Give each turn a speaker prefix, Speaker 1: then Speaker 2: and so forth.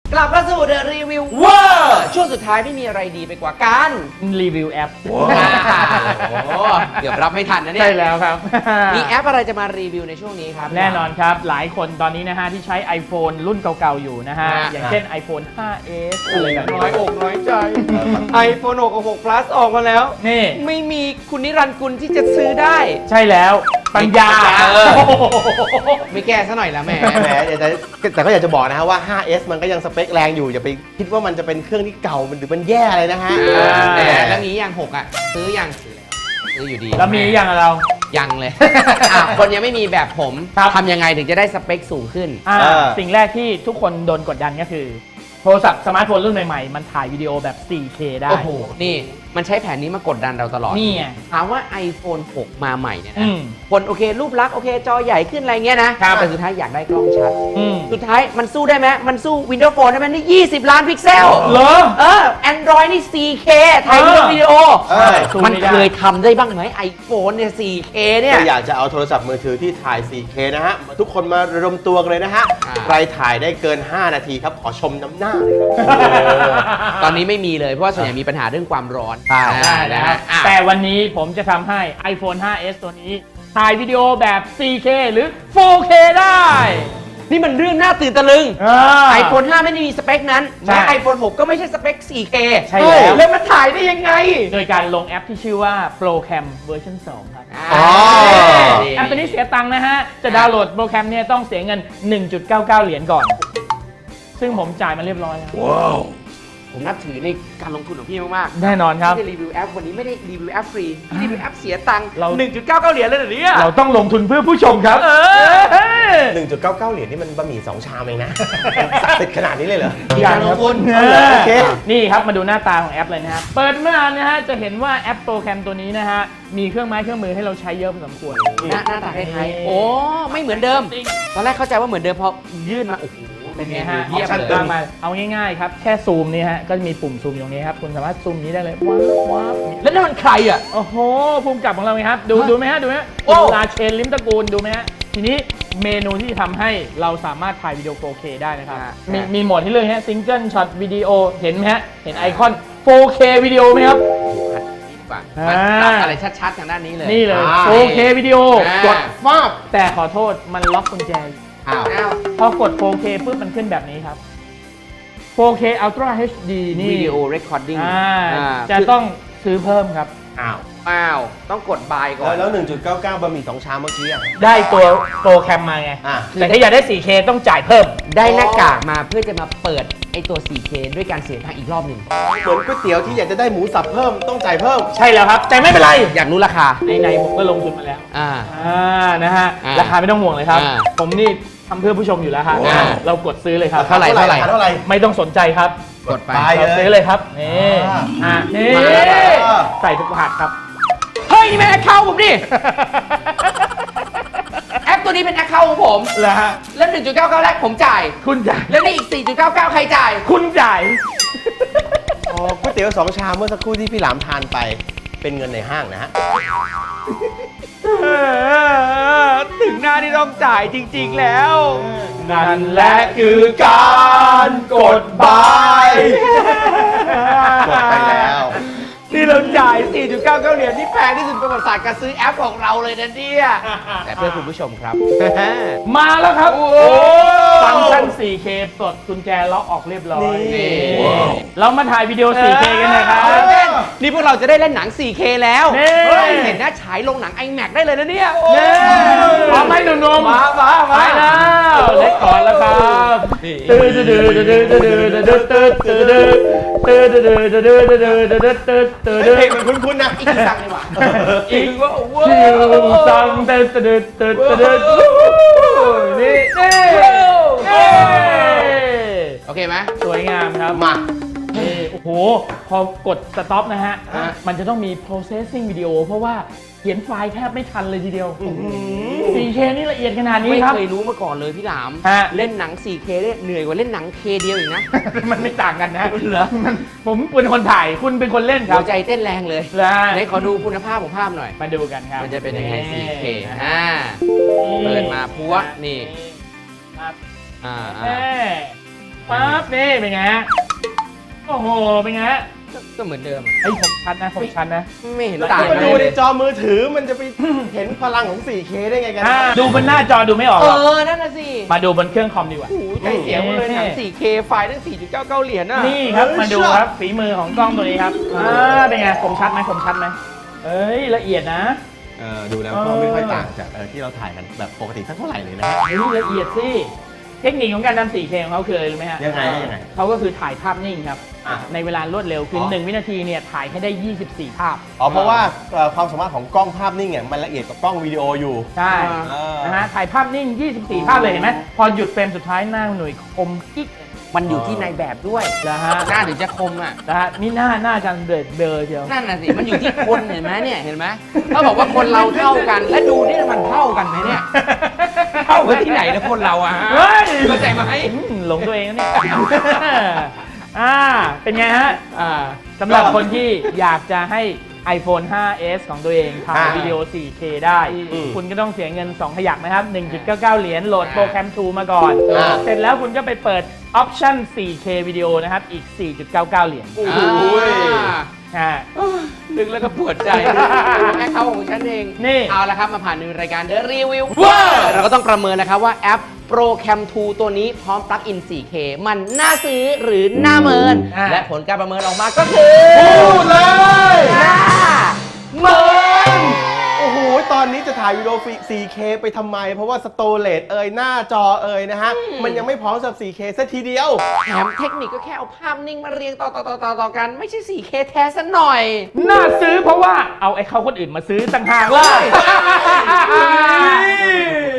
Speaker 1: กลับมาสู่เดอะรีวิวเวอร์ช่วงสุดท้ายไม่มีอะไรดีไปกว่าการ
Speaker 2: รีวิวแอป
Speaker 1: โอ้โหเกือบรับไม่ทันนะเนี่ย
Speaker 2: ใช่แล้วครับ
Speaker 1: มีแอปอะไรจะมารีวิวในช่วงนี้ครับ
Speaker 2: แน่นอนครับหลายคนตอนนี้นะฮะที่ใช้ iPhone รุ่นเก่าๆอยู่นะฮะ อย่างเช่น iPhone 5s อะไรแบบนี้
Speaker 1: น้อยอกน้อยใจ iPhone 6 กับ6 Plus ออกมาแล้ว
Speaker 2: นี่
Speaker 1: ไม่มีคุณนิรันดร์กุลที่จะซื้อได้
Speaker 2: ใช่แล้วปัญญา
Speaker 1: ไม่แก้ซะหน่อยละแม่
Speaker 3: แหมแต่ก็อยากจะบอกนะฮะว่า 5S มันก็ยังสเปคแรงอยู่อย่าไปคิดว่ามันจะเป็นเครื่องที่เก่าหรือมันแย่อะไรนะฮะ
Speaker 1: แล้วมีอย่าง6อ่ะซื้อยังซื้ออยู่ดี
Speaker 2: แล้วมีอย่างเรา
Speaker 1: ยังเลย คนยังไม่มีแบบผมทำยังไงถึงจะได้สเปคสูงขึ้น
Speaker 2: สิ่งแรกที่ทุกคนโดนกดดันก็คือโทรศัพท์สมาร์ทโฟนรุ่นใหม่ๆมันถ่ายวิดีโอแบบ 4K ได้
Speaker 1: โอ้โห นี่มันใช้แผนนี้มากดดันเราตลอด
Speaker 2: นี่ไง
Speaker 1: ถามว่า iPhone 6 มาใหม่เนี่ย
Speaker 2: อื
Speaker 1: นะ
Speaker 2: ม
Speaker 1: คนโอเครูปลักษณ์โอเคจอใหญ่ขึ้นอะไรเงี้ยนะ
Speaker 2: ครับ
Speaker 1: แต่สุดท้ายอยากได้กล้องชัด
Speaker 2: อืม
Speaker 1: สุดท้ายมันสู้ได้ไหมมันสู้ Windows Phone ได้ไหมนี่20 ล้านพิกเซล
Speaker 2: เหรอ
Speaker 1: Android นี่ 4K ถ่ายวิดีโอ
Speaker 2: สู้
Speaker 1: มัน
Speaker 2: ไได้
Speaker 1: เคยทำได้บ้างไหม iPhone เนี่ย 4K เนี่ย
Speaker 3: ก็อยากจะเอาโทรศัพท์มือถือที่ถ่าย 4K นะฮะทุกคนมารวมตัวกันเลยนะฮะ ใครถ่ายได้เกิน 5 นาทีครับขอชมน้ำหน้าเลยครับ
Speaker 1: ตอนนี้ไม่มีเลยเพราะว่าส่วนใหญ่มีปัญหาเรื่องความร้อน
Speaker 2: ได้นะ
Speaker 1: นะ
Speaker 2: ฮะ
Speaker 1: ฮะ
Speaker 2: แต่วันนี้ผมจะทำให้ iPhone 5s ตัวนี้ถ่ายวิดีโอแบบ 4K หรือ 4K ได้
Speaker 1: นี่มันเรื่องน่าตื่นตะลึง iPhone 5 ไม่ได้มีสเปคนั้น
Speaker 2: ใช่
Speaker 1: และ iPhone 6 ก็ไม่ใช่สเปค 4K
Speaker 2: ใช่แล้ว
Speaker 1: แล้วมันถ่ายได้ยังไง
Speaker 2: โดยการลงแอปที่ชื่อว่า Procam เวอร์ชัน2ครับ
Speaker 3: อ๋อ
Speaker 2: แอปตัวนี้เสียตังค์นะฮะ จะดาวน์โหลดโปรแกรมเนี่ยต้องเสียเงิน 1.99 เหรียญก่อน ซึ่งผมจ่ายมาเรียบร้อยแล้ว
Speaker 1: ผมนับถือในการลงทุนของพี่มากๆ
Speaker 2: แน่นอนครับ
Speaker 1: ที่จะรีวิวแอปวันนี้ไม่ได้รีวิวแอปฟรีที่รีวิวแอปเสียตังค์
Speaker 2: เรา
Speaker 1: 1.99 เหรียญเลยเหรอเนี่ย
Speaker 2: เราต้องลงทุนเพื่อผู้ชมครับ
Speaker 3: 1.99 เหรียญนี่มันบะหมี่2 ชามเองนะศักดิ์สิทธิ์ขนาดนี้เลยเหรอ
Speaker 2: อย่างลงทุน
Speaker 3: โอเค
Speaker 2: นี่ครับมาดูหน้าตาของแอปเลยนะครับ เปิดมานะฮะจะเห็นว่าแอปโปรแกรมตัวนี้นะฮะมีเครื่องไม้เครื่องมือให้เราใช้เยอะพอสมควร
Speaker 1: หน้าตาคล้ายๆโอ้ไม่เหมือนเดิม ตอนแรกเข้าใจว่าเหมือนเดิมพอยื่นมาโอ้โห
Speaker 2: เป็นไงฮะ
Speaker 1: เยี่ยม
Speaker 2: ชัด
Speaker 1: เลย
Speaker 2: มากเอาง่ายๆครับแค่ซูมนี่ฮะก็จะมีปุ่มซูมอยู่ตรงนี้ครับคุณสามารถซูมนี้ได้เลยว้าวว้าว
Speaker 1: แล้วนั่นมันใครอ่ะ
Speaker 2: โอ้โหภูมิกับของเราไงครับดูไหมฮะดูไหมฮะ
Speaker 1: โอ้
Speaker 2: คุณราเชนลิ้มตระกูลดูไหมฮะทีนี้เมนูที่ทำให้เราสามารถถ่ายวิดีโอ 4K ได้นะครับมีโหมดที่เลือกฮะซิงเกิลช็อตวิดีโอเห็นไหมฮะเห็นไอคอน 4K วิดีโอไหมครับ
Speaker 1: มันปรับอะไรชัดๆทางด้านนี้เลย
Speaker 2: นี่เลย 4K วิดีโอ
Speaker 1: กด
Speaker 3: ฟาบ
Speaker 2: แต่ขอโทษมันล็อกกุญแจอยู่
Speaker 3: อ้าว
Speaker 1: อ้าว
Speaker 2: พอกด 4K ปุ๊บมันขึ้นแบบนี้ครับ 4K Ultra HD นี่
Speaker 1: วิดีโอเรคคอร์ดิ้ง
Speaker 2: จะต้องซื้อเพิ่มครับ
Speaker 3: อ้าว
Speaker 1: ต้องกดบายก่อน
Speaker 3: แล้ว 1.99 บะหมี่2 ชามเมื่อกี้อ่ะ
Speaker 2: ได้ตัวโปรแกรมมาไง
Speaker 3: อ่ะ
Speaker 2: แต่ถ้าอยากได้ 4K ต้องจ่ายเพิ่ม
Speaker 1: ได้หน้ากากมาเพื่อจะมาเปิดไอตัว 4K ด้วยการเสียตังค์อีกรอบหนึ่ง
Speaker 3: เหมือนก๋วยเตี๋ยวที่อยากจะได้หมูสับเพิ่มต้องจ่ายเพิ่ม
Speaker 2: ใช่แล้วครับ แต่ไม่เป็นไร
Speaker 1: อยากรู้ราคา
Speaker 2: ไหนๆผมก็ลงทุนมาแล้ว นะฮะ
Speaker 1: อ่า
Speaker 2: ราคาไม่ต้องห่วงเลยครับ
Speaker 1: อ่า
Speaker 2: ผมนี่ทำเพื่อผู้ชมอยู่แล้วฮะ
Speaker 3: ว้าว
Speaker 2: เรากดซื้อเลยครับ
Speaker 1: เท่าไหร่
Speaker 3: เท่าไหร่
Speaker 2: ไม่ต้องสนใจครับ
Speaker 1: กดไป
Speaker 2: เราซื้อเลยครับ นี่ นี่
Speaker 1: มาแล้ว
Speaker 2: ใส่ทุกรหัสครับ
Speaker 1: เฮ้ย นี่เป็นแอคเคาท์ผมดิ แอปตัวนี้เป็นแอคเคาท์ของผม
Speaker 2: แล้วฮะ
Speaker 1: แล้ว 1.99 แรกผมจ่าย
Speaker 2: คุณจ่าย
Speaker 1: แล้วนี่อีก 4.99 ใครจ่าย
Speaker 2: คุณจ่าย
Speaker 3: อ๋อก๋วยเตี๋ยว2 ชามเมื่อสักครู่ที่พี่หลามทานไปเป็นเงินในห้างนะฮะ
Speaker 1: ถึงหน้าที่ต้องจ่ายจริงๆแล้ว
Speaker 2: นั่นแหละคือการกดบาย
Speaker 3: กดไปแล้ว
Speaker 1: ที่เราจ่าย 4.99 เหรียญที่แพงที่สุดประวัติศาสตร์การซื้อแอปของเราเลยนะเนี่ย แต่เพื่อคุณผู้ชมครับ
Speaker 2: มาแล้วครับ
Speaker 1: โอ้
Speaker 2: ฟังก์ชัน 4K ปลดกุญแจล็อกออกเรียบร้อย
Speaker 1: นี่
Speaker 2: เรามาถ่ายวิดีโอ 4K กันนะครับ
Speaker 1: นี่พวกเราจะได้เล่นหนัง 4K แล้ว
Speaker 2: นี่
Speaker 1: เฮ้ยเห็นหน้าฉายลงหนัง iMac ได้เลยนะเนี่ย
Speaker 2: พร้อมไหมหนุ่มๆ
Speaker 1: มา
Speaker 2: ไปแล้วเล็กก่อนแล้วครับตื้อตื้อตื้อตื้อตื้อตื้อตื้อตื้อตื้อตื้อตื้อตื้อตื้อตื้อตื้อตื้อตื้อ
Speaker 3: เพลงมันคุ้นๆนะ
Speaker 1: อีกสั่งเลยว่ะ
Speaker 2: อีก
Speaker 1: ว่า
Speaker 2: ชิวซังเต้นตื้อตื้อตื้อนี่
Speaker 1: โอเคไหม
Speaker 2: สวยงามครับ
Speaker 3: มา
Speaker 2: นี่โอ้โห พอกดสต็อปนะฮะ มันจะต้องมี processing วิดีโอเพราะว่าเขียนไฟล์แทบไม่ทันเลยทีเดียว 4K นี่ละเอียดขนาดนี้
Speaker 1: ไม่
Speaker 2: ครับ
Speaker 1: เคยรู้มาก่อนเลยพี่หลาม
Speaker 2: ฮะ
Speaker 1: เล่นหนัง 4K ได้เหนื่อยกว่าเล่นหนัง K เดียวอีกนะ
Speaker 2: มันไม่ต่างกันนะ
Speaker 1: เหรอ
Speaker 2: ผมเป็นคนถ่าย คุณเป็นคนเล่นครั
Speaker 1: หั
Speaker 2: บ
Speaker 1: วใจเต้นแรงเลย
Speaker 2: แล้ว
Speaker 1: ไหนขอดูคุณภาพของภาพหน่อย
Speaker 2: มาดูกันครับ
Speaker 1: มันจะเป็นยังไง 4K เปิดมาพัวนี่
Speaker 2: ครับ
Speaker 1: อ่า
Speaker 2: แม่ปั๊บนี่เป็นไงฮะโอ้โหเป็นไงฮะ
Speaker 1: ก็เหมือนเดิม
Speaker 2: ไอ้ยผมชัดนะผมชัดนะ
Speaker 1: ไม่เห็นต่าง
Speaker 3: มา
Speaker 1: เล
Speaker 3: ดูใน
Speaker 1: ย
Speaker 3: จอมือถือมันจะไปเห็นพลังของ 4K ได้ไงกัน
Speaker 2: ดูบนหน้าจอดูไม่ออกหรอก
Speaker 1: นั่นน่ะสิ
Speaker 2: มาดูบนเครื่องคอมดีกว่า
Speaker 1: โอ้โหใจเสียหมดเลยหนัง 4K ไฟล์ตั้ง 4.99 เหรียญน่ะ
Speaker 2: นี่ครับมาดูครับฝีมือของกล้องตัวนี้ครับเป็นไงคมชัดไหมคมชัดไหมเอ้ยละเอียดนะ
Speaker 3: ดูแล้วก็ไม่ค่อยต่างจากที่เราถ่ายกันแบบปกติสักเท่าไหร่เลยนะ
Speaker 2: เฮ้ยละเอียดสิเทคนิคของการทำ 4K ของเขาคืออะไรรู้ไหมฮะ
Speaker 3: ยังไง
Speaker 2: เขาก็คือถ่ายภาพนิ่งครับ
Speaker 3: อ่ะ
Speaker 2: ในเวลารวดเร็วคือ1 วินาทีเนี่ยถ่ายให้ได้ 24 ภาพ
Speaker 3: เพราะว่าความสามารถของกล้องภาพนิ่งเนี่ยมันละเอียดกว่ากล้องวิดีโออยู่
Speaker 2: ใช่ นะฮะถ่ายภาพนิ่ง 24 ภาพเลยเห็นไหมพอหยุดเฟรมสุดท้ายหน้าหน่วยคมกิ๊ก
Speaker 1: มันอยู่ที่ในแบบด้วย
Speaker 2: นะฮะ
Speaker 1: หน้าถึงจะคมอ่ะ
Speaker 2: นะฮะนี่หน้าจังเดือดเบลอเชียว
Speaker 1: นั่นน่ะสิ มันอยู่ที่คนเห็นไหมเนี่ย เห็นไหมถ้าบอกว่าคนเราเท่ากัน และดูนี่มันเท่ากันไหมเนี่ย เท่ากันที่ไหนนะคนเราอะฮะ
Speaker 2: เฮ้ย
Speaker 1: เข้าใจไหม
Speaker 2: หลงตัวเองนะเนี่ยเป็นไงฮะ สำหรับคนที่อยากจะให้ iPhone 5s ของตัวเองถ่ายวิดีโอ 4K ได้ คุณก็ต้องเสียเงิน 2 ขยักนะครับ 1.99 เหรียญโหลดโปรแกรม 2 มาก่อน เสร็จแล้วคุณก็ไปเปิดออปชั่น 4K วิดีโอนะครับ อีก 4.99 เหรียญ
Speaker 1: ดึงแล้วก็ปวดใจแค่เขาของฉันเอง
Speaker 2: นี่
Speaker 1: เอาละครับ มาผ่านในรายการ The Review เราก็ต้องประเมินนะครับว่าแอป ProCam 2 ตัวนี้พร้อมปลั๊กอิน 4K มันน่าซื้อหรือน่าเมิน และผลการประเมินออกมาก็คือพูดเลยน่าเมิน
Speaker 3: โอ้โห ตอนนี้จะถ่ายวิดีโอ 4K ไปทำไม เพราะว่าสโตเรจหน้าจอนะฮะ มันยังไม่พร้อมสำหรับ 4K สักทีเดียว
Speaker 1: แถมเทคนิคก็แค่เอาภาพนิ่งมาเรียงต่อกัน ไม่ใช่ 4K แท้ซะหน่อย
Speaker 2: น่าซื้อเพราะว่าเอาไอ้เขาคนอื่นมาซื้อต่างหากล่ะ